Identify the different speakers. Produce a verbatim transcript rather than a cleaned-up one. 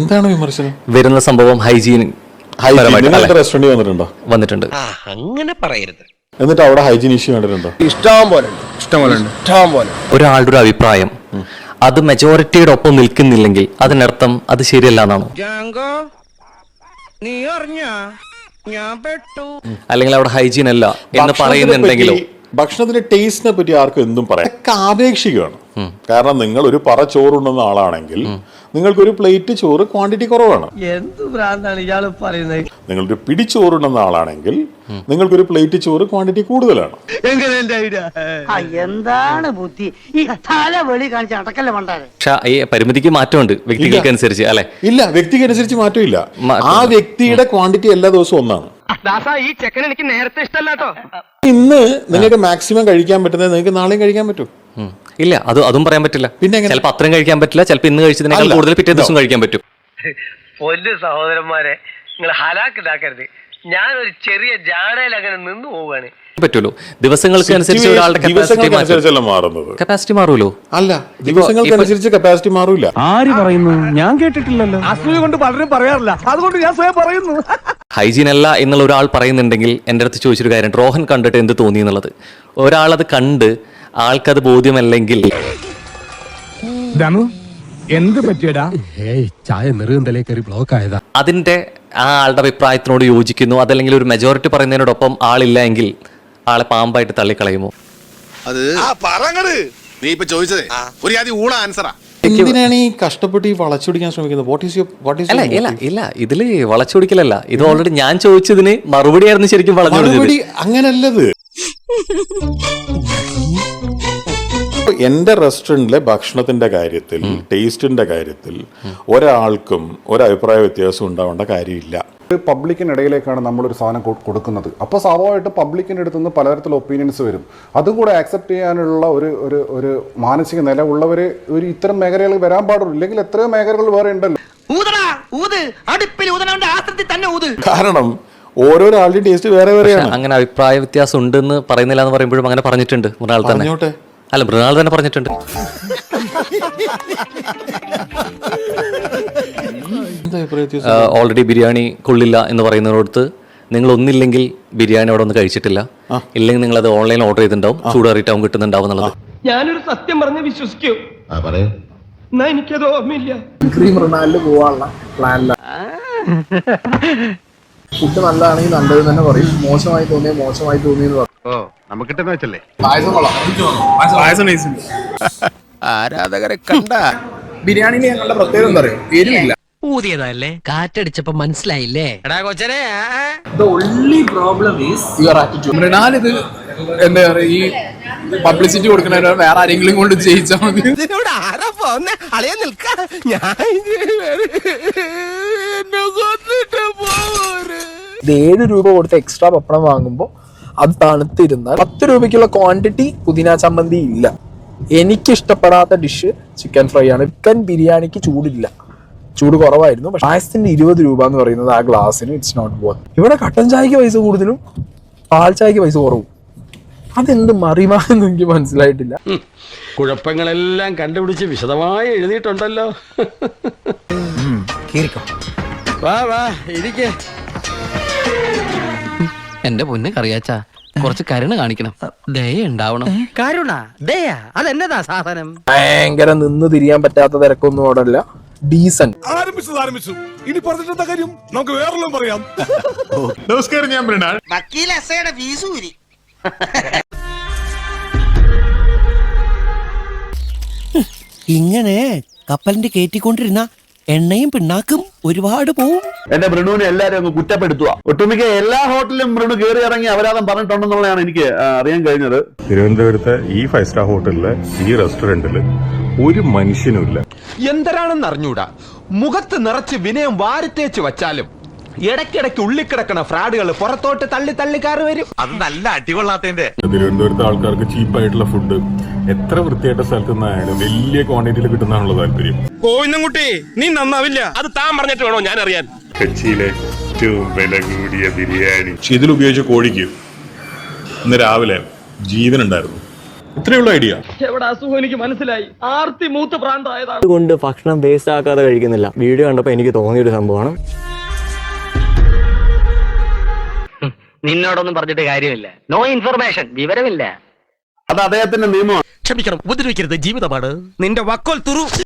Speaker 1: എന്താണ് വിമർശനം?
Speaker 2: വരുന്ന സംഭവം ഹൈജീൻ
Speaker 1: റെസ്റ്റോറന്റ് വന്നിട്ടുണ്ടോ?
Speaker 2: വന്നിട്ടുണ്ട്.
Speaker 3: അങ്ങനെ പറയരുത്.
Speaker 1: എന്നിട്ട് അവിടെ ഹൈജീൻ ഇഷ്യൂ കണ്ടിട്ടുണ്ടോ?
Speaker 4: ഇഷ്ടം പോലെ ഇഷ്ടം പോലെ ഇഷ്ടം പോലെ.
Speaker 2: ഒരാളുടെ ഒരു അഭിപ്രായം അത് മെജോറിറ്റിയുടെ ഒപ്പം നിൽക്കുന്നില്ലെങ്കിൽ അതിനർത്ഥം അത് ശരിയല്ല എന്നാണോ? അല്ലെങ്കിൽ അവിടെ ഹൈജീൻ അല്ല എന്ന് പറയുന്നുണ്ടെങ്കിലോ?
Speaker 1: ഭക്ഷണത്തിന്റെ ടേസ്റ്റിനെ പറ്റി ആർക്കും എന്തും പറയാം. ആപേക്ഷികമാണ്. കാരണം നിങ്ങൾ ഒരു പറ ചോറുണ്ടെന്ന ആളാണെങ്കിൽ നിങ്ങൾക്കൊരു പ്ലേറ്റ് ചോറ് ക്വാണ്ടിറ്റി കുറവാണ്.
Speaker 3: എന്ത് ഭ്രാന്താണ് ഇയാള് പറയുന്നത്?
Speaker 1: നിങ്ങളൊരു പിടി ചോറുണ്ടെന്ന ആളാണെങ്കിൽ നിങ്ങൾക്കൊരു പ്ലേറ്റ് ചോറ് ക്വാണ്ടിറ്റി കൂടുതലാണ്.
Speaker 5: എന്താണ് ബുദ്ധി ഈ തല വെളി കാണിച്ച് അടക്കല്ലേ മണ്ടാരെ.
Speaker 2: പക്ഷെ ഈ പരിമിതിക്ക് മാറ്റമുണ്ട് വ്യക്തികൾക്ക് അനുസരിച്ച് അല്ലെ?
Speaker 1: ഇല്ല, വ്യക്തിക്ക് അനുസരിച്ച് മാറ്റമില്ല. ആ വ്യക്തിയുടെ ക്വാണ്ടിറ്റി എല്ലാ ദിവസവും ഒന്നാണ്.
Speaker 3: ഈ ചെക്കൻ എനിക്ക് നേരത്തെ ഇഷ്ടമല്ലാട്ടോ.
Speaker 1: ഇന്ന് നിങ്ങൾക്ക് മാക്സിമം കഴിക്കാൻ പറ്റുന്നത് നിങ്ങൾക്ക് നാളെയും കഴിക്കാൻ പറ്റും.
Speaker 2: ഇല്ല, അത് അതും പറയാൻ പറ്റില്ല. പിന്നെ ചിലപ്പോൾ അത്രയും കഴിക്കാൻ പറ്റില്ല, ചിലപ്പോൾ ഇന്ന് കഴിച്ചതിനേക്കാൾ കൂടുതൽ പിറ്റേ ദിവസം കഴിക്കാൻ പറ്റും.
Speaker 3: പൊന്നു സഹോദരന്മാരെ, നിങ്ങൾ ഹലാക്കിലാക്കരുത്. ഞാനൊരു ചെറിയ ജാടയിൽ അങ്ങനെ നിന്ന് പോവുകയാണ്.
Speaker 2: പറ്റുമല്ലോ, ദിവസങ്ങൾക്ക് അനുസരിച്ച് ഒരാളുടെ കപ്പാസിറ്റി മാറൂലോ?
Speaker 1: അല്ല, ദിവസങ്ങൾക്ക് അനുസരിച്ച് കപ്പാസിറ്റി മാറൂല.
Speaker 4: ആര് പറയുന്നു? ഞാൻ കേട്ടിട്ടില്ലല്ലോ. അസൂയ കൊണ്ട് പലരും പറയാറില്ല, അതുകൊണ്ട് ഞാൻ സ്വയം പറയുന്നു.
Speaker 2: ഹൈജീൻ അല്ല എന്നുള്ള ഒരാൾ പറയുന്നുണ്ടെങ്കിൽ എൻ്റെ അടുത്ത് ചോദിച്ചൊരു കാര്യം, റോഹൻ കണ്ടിട്ട് എന്ത് തോന്നി എന്നുള്ളത്. ഒരാളത് കണ്ട് ആൾക്കത് ബോധ്യമല്ലെങ്കിൽ
Speaker 4: എന്ത് പറ്റിയടാ?
Speaker 6: ചായ നെറുകന്തലേ കയറി ബ്ലോക്ക് ആയതാ.
Speaker 2: അതിന്റെ ആ ആളുടെ അഭിപ്രായത്തിനോട് യോജിക്കുന്നു, അതല്ലെങ്കിൽ ഒരു മെജോറിറ്റി പറയുന്നതിനോടൊപ്പം ആളില്ല എങ്കിൽ ആളെ പാമ്പായിട്ട് തള്ളിക്കളയുമോ?
Speaker 7: അത് നീ ഇപ്പൊ ചോദിച്ചതേ ഒരു ആദ്യം ഊള ആൻസറാ.
Speaker 1: എന്തിനാണ് ഈ കഷ്ടപ്പെട്ട് ഈ വളച്ചൊടിക്കാൻ ശ്രമിക്കുന്നത്? What is your what is
Speaker 2: അല്ല ഇല്ല ഇല്ല ഇതില് വളച്ചൊടിക്കലല്ല. ഇത് ഓൾറെഡി ഞാൻ ചോദിച്ചതിന് മറുപടി ആയിരുന്നു ശരിക്കും വളച്ചൊടിച്ചത്.
Speaker 1: അങ്ങനല്ലത്. എന്റെ റെസ്റ്റോറന്റിലെ ഭക്ഷണത്തിന്റെ കാര്യത്തിൽ, ടേസ്റ്റിന്റെ കാര്യത്തിൽ ഒരാൾക്കും ഒരഭിപ്രായ വ്യത്യാസം ഉണ്ടാവേണ്ട കാര്യമില്ല.
Speaker 8: പബ്ലിക്കിനിടയിലേക്കാണ് നമ്മളൊരു സാധനം കൊടുക്കുന്നത്. അപ്പോൾ സ്വാഭാവികമായിട്ട് പബ്ലിക്കിൻ്റെ അടുത്ത് നിന്ന് പലതരത്തിലുള്ള ഒപ്പീനിയൻസ് വരും. അതും കൂടെ ആക്സെപ്റ്റ് ചെയ്യാനുള്ള ഒരു ഒരു ഒരു മാനസിക നില ഉള്ളവർ ഒരു ഇത്തരം മേഖലകൾ വരാൻ പാടുള്ളൂ. ഇല്ലെങ്കിൽ എത്രയോ മേഖലകൾ വേറെ ഉണ്ടല്ലോ.
Speaker 1: കാരണം ഓരോരാളുടെയും ടേസ്റ്റ് വേറെ വേറെയാണ്.
Speaker 2: അങ്ങനെ അഭിപ്രായ വ്യത്യാസം ഉണ്ടെന്ന് പറയുന്നില്ല എന്ന് പറയുമ്പോഴും അങ്ങനെ പറഞ്ഞിട്ടുണ്ട് മൃണാൾ തന്നെ. അല്ല, മൃണാൾ തന്നെ പറഞ്ഞിട്ടുണ്ട്. ഓൾറെഡി ബിരിയാണി കൊള്ളില്ല എന്ന് പറയുന്നതിനോടത്ത് നിങ്ങൾ ഒന്നില്ലെങ്കിൽ ബിരിയാണി അവിടെ ഒന്ന് കഴിച്ചിട്ടില്ല, ഇല്ലെങ്കിൽ നിങ്ങൾ അത് ഓൺലൈൻ ഓർഡർ ചെയ്തിട്ടുണ്ടാവും, ചൂടാറിയിട്ടാവും കിട്ടുന്നുണ്ടാവും എന്നുള്ളത്.
Speaker 3: ഞാനൊരു സത്യം പറഞ്ഞ് വിശ്വസിക്കൂ, എന്നാ എനിക്കത് ഓർമ്മയില്ല.
Speaker 4: മൃണാലില് പോവാനുള്ള പ്ലാനില്ല. ഫുഡ് നല്ലതാണെങ്കിൽ നല്ലത് തന്നെ പറയും, മോശമായി തോന്നിയ മോശമായി തോന്നിയെന്ന് പറയും.
Speaker 7: ആരാധകരെ കണ്ട
Speaker 4: ബിരിയാണിന് ഞങ്ങളുടെ പ്രത്യേകത എന്താ പറയുക? എരിവില്ല.
Speaker 3: ഊതിയതല്ലേ, കാറ്റടിച്ചപ്പോ മനസ്സിലായില്ലേ?
Speaker 4: മൃണാൽ ഇത് എന്താ പറയുക, ഈ പബ്ലിസിറ്റി കൊടുക്കണ വേറെ ആരെങ്കിലും കൊണ്ട് ചെയ്യിച്ചാൽ മതി. ഇത് ഏഴ് രൂപ കൊടുത്ത് എക്സ്ട്രാ പപ്പടം വാങ്ങുമ്പോൾ അത് തണുത്തിരുന്നാൽ പത്ത് രൂപയ്ക്കുള്ള ക്വാണ്ടിറ്റി പുതിന ചമ്മന്തി ഇല്ല. എനിക്ക് ഇഷ്ടപ്പെടാത്ത ഡിഷ് ചിക്കൻ ഫ്രൈ ആണ്. ചിക്കൻ ബിരിയാണിക്ക് ചൂടില്ല, ചൂട് കുറവായിരുന്നു. പക്ഷെ പായസത്തിന്റെ ഇരുപത് രൂപ എന്ന് പറയുന്നത് ആ ഗ്ലാസ്സിന് ഇറ്റ്സ് നോട്ട് വർത്ത്. ഇവിടെ കട്ടൻ ചായക്ക് പൈസ കൂടുതലും പാൽ ചായക്ക് പൈസ കുറവും. അതെന്ത് മറിമാണെന്ന് എനിക്ക് മനസ്സിലായിട്ടില്ല.
Speaker 9: കുഴപ്പങ്ങളെല്ലാം കണ്ടുപിടിച്ച് വിശദമായി എഴുതിയിട്ടുണ്ടല്ലോ. വാ വാ ഇരിക്കേ.
Speaker 3: എന്റെ പൊന്ന് കറിയാച്ചാ, കുറച്ച് കരുണ കാണിക്കണം, ദയ ഉണ്ടാവണം. കരുണ ദയ അതെന്നതാ സാധനം?
Speaker 4: ഭയങ്കര നിന്ന് തിരിയാൻ പറ്റാത്ത തിരക്കൊന്നും അവിടെ അല്ല. ഡീസന്റ്.
Speaker 7: ആരംഭിച്ചത് ആരംഭിച്ചു. ഇനി പറഞ്ഞിട്ടെന്താ കാര്യം? നമുക്ക് വേറെല്ലാം പറയാം.
Speaker 1: നമസ്കാരം, ഞാൻ മൃണാൾ.
Speaker 5: ഇങ്ങനെ കപ്പലിന്റെ കയറ്റിക്കൊണ്ടിരുന്ന എണ്ണയും പിണ്ണാക്കും ഒരുപാട് പോവും.
Speaker 10: എന്റെ മൃണുവിനെ എല്ലാരും അങ്ങ് കുറ്റപ്പെടുത്തുക. ഒട്ടുമിക്ക എല്ലാ ഹോട്ടലിലും മൃണു കയറി ഇറങ്ങി അപരാധം പറഞ്ഞിട്ടുണ്ടെന്നുള്ളതാണ് എനിക്ക് അറിയാൻ കഴിഞ്ഞത്.
Speaker 1: തിരുവനന്തപുരത്തെ ഈ ഫൈവ് സ്റ്റാർ ഹോട്ടലില്, ഈ റെസ്റ്റോറന്റില് ഒരു മനുഷ്യനുമില്ല.
Speaker 9: എന്തരാണെന്ന് അറിഞ്ഞൂടാ, മുഖത്ത് നിറച്ച് വിനയം വാരിത്തേച്ച് വച്ചാലും ഇടയ്ക്കിടയ്ക്ക് ഉള്ളിക്കിടക്കണ ഫ്രാഡുകൾ പുറത്തോട്ട് തള്ളി തള്ളി കയറി വരും.
Speaker 7: അത് നല്ല അടികൊള്ളാത്തതിന്റെ.
Speaker 1: തിരുവനന്തപുരത്തെ ആൾക്കാർക്ക് ചീപ്പായിട്ടുള്ള ഫുഡ് എത്ര വൃത്തിയായിട്ട സ്ഥലത്ത് നിന്നായാലും വലിയ ക്വാണ്ടിറ്റിയിൽ കിട്ടുന്നതാണുള്ള താല്പര്യം.
Speaker 9: കോയിന്നുംകുട്ടി, നീ നന്നാവില്ല. അത് താൻ പറഞ്ഞിട്ട് വേണോ ഞാൻ അറിയാൻ?
Speaker 1: കൊച്ചിയിലെ ഏറ്റവും വില കൂടിയ ബിരിയാണി ഇതിൽ ഉപയോഗിച്ച കോഴിക്ക് ഇന്ന് രാവിലെ ജീവനുണ്ടായിരുന്നു. ഇത്രയുള്ള ഐഡിയ.
Speaker 4: എവിടെ അസുഖം എനിക്ക് മനസ്സിലായി. ആർത്തി മൂത്ത് പ്രാന്തായതാണ്.
Speaker 11: അതുകൊണ്ട് ഭക്ഷണം വേസ്റ്റ് ആക്കാതെ കഴിക്കുന്നില്ല. വീഡിയോ കണ്ടപ്പോൾ എനിക്ക് തോന്നിയൊരു സംഭവമാണ്.
Speaker 3: നിന്നോടൊന്നും പറഞ്ഞിട്ട് കാര്യമില്ല. നോ ഇൻഫർമേഷൻ, വിവരമില്ല.
Speaker 10: അത് അദ്ദേഹത്തിന്റെ നിയമമാണ്.
Speaker 6: ക്ഷമിക്കണം, ഉപദ്രവിക്കരുത്, ജീവിതമാണ്. നിന്റെ വക്കോൽ തുറു